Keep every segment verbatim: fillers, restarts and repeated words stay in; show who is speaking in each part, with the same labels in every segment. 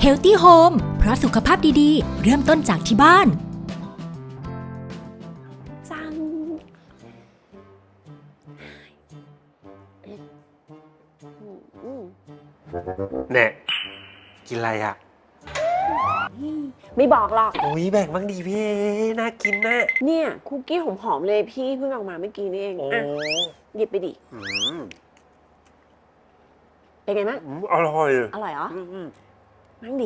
Speaker 1: Healthy Home เพราะสุขภาพดีๆ เริ่มต้นจากที่บ้าน
Speaker 2: จัง
Speaker 3: แน่กินอะไรอ่ะ
Speaker 2: ไม่บอกหรอก
Speaker 3: โอ้ยแบ่งบ้างดีพี่เอน่ากินนะ
Speaker 2: เนี่ยคุกกี้หอมๆเลยพี่เพิ่งออกมาเมื่อกี้นี่เอง
Speaker 3: โอ้
Speaker 2: อ่ะหยิบไปดิ
Speaker 3: อืม
Speaker 2: เป็นไงบ้าง
Speaker 3: อืมอร่อย
Speaker 2: อร่อยเหรอ
Speaker 3: อืมอืม
Speaker 2: มั่งดิ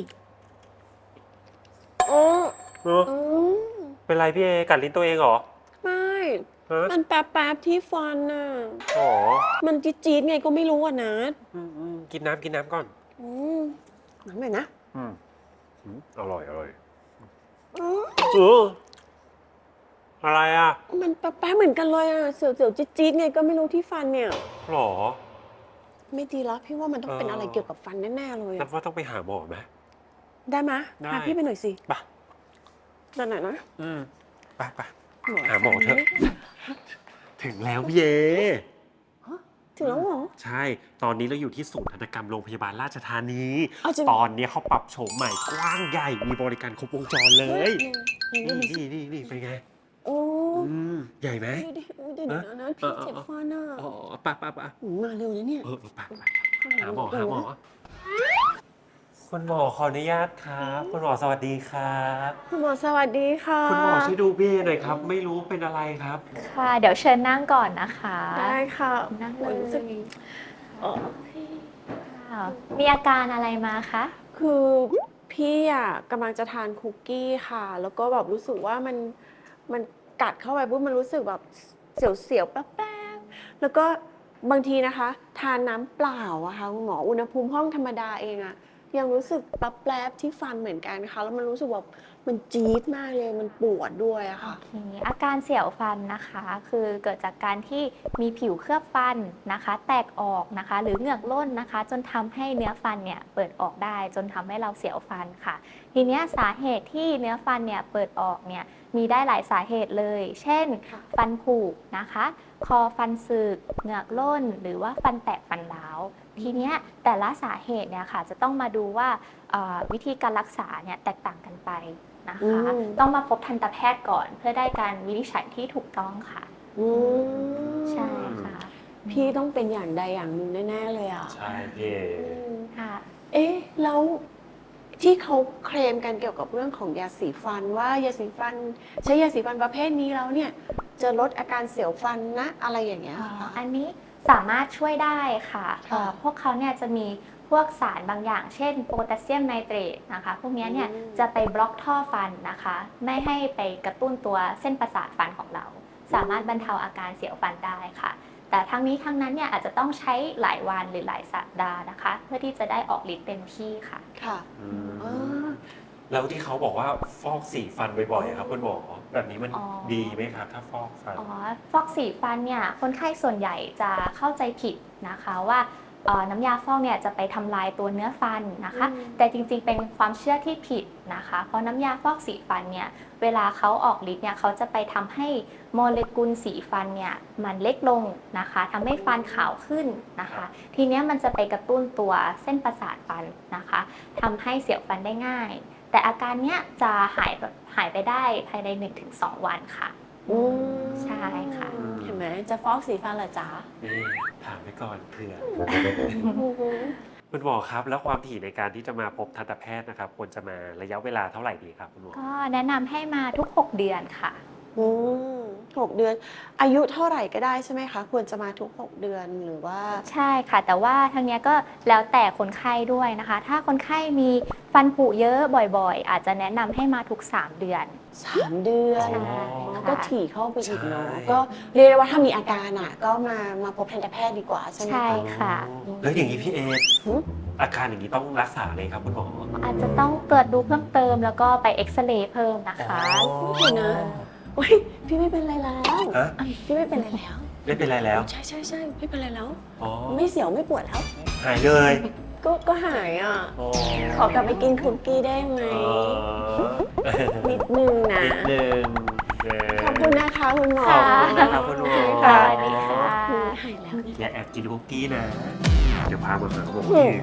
Speaker 2: โอ้
Speaker 3: เนอะ
Speaker 2: อืม
Speaker 3: เป็นไรพี่เอกัดลิ้นตัวเองเหรอ
Speaker 2: ไม่
Speaker 3: ฮะ
Speaker 2: มันแป๊บๆที่ฟันน่ะ
Speaker 3: อ๋อ
Speaker 2: มันจี๊ดๆไงก็ไม่รู้อ่ะนะ
Speaker 3: อืมอืมกินน้ำกินน้ำก่อน
Speaker 2: อืมน้ำหน่อยนะ
Speaker 3: อืมอืมอร่อยอร่อย
Speaker 2: อืม
Speaker 3: เอออะไรอ่ะ
Speaker 2: มันแป๊บๆเหมือนกันเลยอ่ะเสียวๆจี๊ดๆไงก็ไม่รู้ที่ฟันเนี่ย
Speaker 3: หรอ
Speaker 2: ไม่ดีแล้วพี่ว่ามันต้องเป็น
Speaker 3: เอออ
Speaker 2: อะไรเกี่ยวกับฟันแน่ๆเลย
Speaker 3: นั
Speaker 2: อะ
Speaker 3: บว่าต้องไปหาหมอไหม
Speaker 2: ได้ไหม
Speaker 3: ได้
Speaker 2: พาพี่ไปหน่อยสิ
Speaker 3: ไป
Speaker 2: ไปไหนนะ
Speaker 3: อืมไปไป หาหมอเถอะ ถึงแล้วพี่เอ
Speaker 2: ถึงแล้วเหรอ
Speaker 3: ใช่ ตอนนี้เราอยู่ที่ศูนย์ทันตกรรมโรงพยาบาลราชธานี
Speaker 2: เอาจริง
Speaker 3: ตอนนี้เขาปรับโฉมใหม่กว้างใหญ่ มีบริการครบวงจรเลย
Speaker 2: นี่
Speaker 3: นี่
Speaker 2: นี่
Speaker 3: นี่นี่นี่เป็นไง
Speaker 2: โอ้
Speaker 3: อืม ใหญ่ไหม
Speaker 2: ดูดิดูดิเดี๋ยวนะนะพี่เจ็บฟันอ่ะ
Speaker 3: อ๋อปะปะปะ
Speaker 2: หืมมาเร็วนะเนี่ย
Speaker 3: เออเออปะปะหาหมอหาหมอ คุณหมอขออนุญาตครับ คุณหมอสวัสดีครับ
Speaker 2: คุณหมอสวัสดีค่ะ
Speaker 3: คุณหมอช่วยดูพี่หน่อยครับ ไม่รู้เป็นอะไรครับ
Speaker 4: ค่ะ เดี๋ยวเชิญนั่งก่อนนะคะ
Speaker 2: ได้ค่ะ
Speaker 4: นั่งเล
Speaker 2: โอ้
Speaker 4: ย
Speaker 2: รู้สึกเอ่อ
Speaker 4: ค่ะมีอาการอะไรมาคะ
Speaker 2: คือพี่อ่ะกำลังจะทานคุกกี้ค่ะ แล้วก็แบบรู้สึกว่ามันมันกัดเข้าไปปุ๊บมันรู้สึกแบบเสียวๆแป๊บๆแล้วก็บางทีนะคะ ทานน้ำเปล่าอะค่ะคุณหมออุณหภูมิห้องธรรมดาเองอะยังรู้สึกแป๊บๆที่ฟันเหมือนกันค่ะแล้วมันรู้สึกแบบมันจี๊ดมากเลยมันปวดด้วยอะ
Speaker 4: โอ
Speaker 2: ค่ะ
Speaker 4: เค อาการเสียวฟันนะคะ คือเกิดจากการที่มีผิวเคลือบฟันนะคะ แตกออกนะคะ หรือเหงือกร่นนะคะ จนทำให้เนื้อฟันเนี่ยเปิดออกได้ จนทำให้เราเสียวฟันค่ะ ทีเนี้ยสาเหตุที่เนื้อฟันเนี่ยเปิดออกเนี่ยมีได้หลายสาเหตุเลย เช่น
Speaker 2: ค่ะ
Speaker 4: ฟันผุนะคะ คอฟันสึก เหงือกร่น หรือว่าฟันแตกฟันร้าว ทีเนี้ยแต่ละสาเหตุเนี่ยค่ะจะต้องมาดูว่าเอ่อวิธีการรักษาเนี่ยแตกต่างกันไปนะคะ
Speaker 2: อืม
Speaker 4: ต้องมาพบทันตแพทย์ก่อนเพื่อได้การวินิจฉัยที่ถูกต้องค่ะ
Speaker 2: อืม
Speaker 4: ใช่ค่ะ
Speaker 2: พี่ต้องเป็นอย่างใดอย่างหนึ่งแน่ๆเลยอะ
Speaker 3: ใช่พี่
Speaker 2: อืม
Speaker 4: ค่ะ
Speaker 2: เอ๊ะแล้วที่เขาเคลมกันเกี่ยวกับเรื่องของยาสีฟันว่ายาสีฟัน ใช้ยาสีฟันประเภทนี้แล้วเนี่ยจะลดอาการเสียวฟันนะอะไรอย่างเงี้ย
Speaker 4: อ๋อ
Speaker 2: ค่ะ
Speaker 4: อันนี้สามารถช่วยได้ค่ะ
Speaker 2: ค่ะ
Speaker 4: เอ่อพวกเขาเนี่ยจะมีพวกสารบางอย่าง เช่นโพแทสเซียมไนเตรตนะคะ พวกเนี้ยเนี่ย
Speaker 2: อืม
Speaker 4: จะไปบล็อกท่อฟันนะคะ ไม่ให้ไปกระตุ้นตัวเส้นประสาทฟันของเรา สามารถบรรเทาอาการเสียวฟันได้ค่ะ แต่ทั้งนี้ทั้งนั้นเนี่ยอาจจะต้องใช้หลายวันหรือหลายสัปดาห์นะคะ เพื่อที่จะได้ออกฤทธิ์เต็มที่ค่ะ
Speaker 2: ค่ะ
Speaker 3: อืม
Speaker 2: อ่า
Speaker 3: แล้วที่เขาบอกว่าฟอกสีฟันบ่อยๆครับคุณหมอแบบนี้มัน
Speaker 4: อ๋อ
Speaker 3: ดีไหมครับ ถ้าฟอกฟัน
Speaker 4: อ๋อฟอกสีฟันเนี่ยคนไข้ส่วนใหญ่จะเข้าใจผิดนะคะว่าเอ่อน้ำยาฟอกเนี่ยจะไปทำลายตัวเนื้อฟันนะคะ
Speaker 2: อืม
Speaker 4: แต่จริงๆเป็นความเชื่อที่ผิดนะคะ เพราะน้ำยาฟอกสีฟันเนี่ยเวลาเขาออกฤทธิ์เนี่ยเขาจะไปทำให้โมเลกุลสีฟันเนี่ยมันเล็กลงนะคะทำให้ฟันขาวขึ้นนะคะ ทีเนี้ยมันจะไปกระตุ้นตัวเส้นประสาทฟันนะคะทำให้เสียวฟันได้ง่าย แต่อาการเนี้ยจะหายแบบหายไปได้ภายใน หนึ่งถึงสอง วันค่ะ
Speaker 2: อืม
Speaker 4: ใช่ค่ะ
Speaker 2: เห็นไหมจะฟอกสีฟันเหรอจ๊ะ
Speaker 3: นี่ถามไปก่อนเผื่อ
Speaker 2: อือหือ
Speaker 3: คุณหมอครับ แล้วความถี่ในการที่จะมาพบทันตแพทย์นะครับควรจะมาระยะเวลาเท่าไหร่ดีครับคุณหมอ
Speaker 4: ก็แนะนำให้มาทุก หก เดือนค่ะ
Speaker 2: อืมหกเดือน อายุเท่าไหร่ก็ได้ใช่ไหมคะ ควรจะมาทุกหกเดือนหรือว่า
Speaker 4: ใช่ค่ะ แต่ว่าทางเนี้ยก็แล้วแต่คนไข้ด้วยนะคะ ถ้าคนไข้มีฟันผุเยอะบ่อยๆ อาจจะแนะนำให้มาทุก สาม เดือน
Speaker 2: สามเดือน
Speaker 4: ใช่
Speaker 2: อ๋อ
Speaker 4: ค่ะ
Speaker 2: ก็ถี่เข้าไปอีกเนาะ
Speaker 3: ใช่
Speaker 2: ก็เรียกได้ว่าถ้ามีอาการอ่ะ ก็มามาพบทันตแพทย์ดีกว่าใช่ไหม
Speaker 4: ใช่
Speaker 2: คะ
Speaker 4: ค่ะ
Speaker 3: อ๋อแล้วอย่างนี้พี่เอ
Speaker 2: หืม
Speaker 3: อาการอย่างนี้ต้องรักษาเลยครับคุณหมอ
Speaker 4: อาจจะต้องตรวจดูเพิ่มเติมแล้วก็ไปเอ็กซเรย์เพิ่มนะคะ
Speaker 3: อ๋อ
Speaker 2: เดี๋ยวนะโอ้ยพี่ไม่เป็นไรแล้ว
Speaker 3: ฮะ
Speaker 2: พี่ไม่เป็นไรแล้ว
Speaker 3: ไม่เป็นไรแล้ว
Speaker 2: ใช่ใช่ใช่ไม่เป็นไรแล้ว
Speaker 3: อ๋อ
Speaker 2: ไม่เสียวไม่ปวดแล้ว
Speaker 3: หายเลย
Speaker 2: ก็ก็หายอ่ะ
Speaker 3: อ๋อ
Speaker 2: ขอกลับไปกินคุกกี้ได้ไหม
Speaker 3: อ๋อ
Speaker 2: นิดนึงนะ
Speaker 3: นิดนึงเ
Speaker 2: ขอบคุณนะคะคุณหมอ
Speaker 3: ขอบคุณนะครับคุณหมอ
Speaker 4: ค่ะสวัสดีค่ะ
Speaker 2: หายแล้ว
Speaker 3: อย่าแอบกินคุกกี้นะ เดี๋ยวพามาหาหมอ
Speaker 2: อื
Speaker 3: อี
Speaker 2: ม
Speaker 3: ก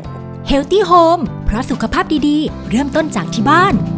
Speaker 1: Healthy Home เพราะสุขภาพดีๆ เริ่มต้นจากที่บ้าน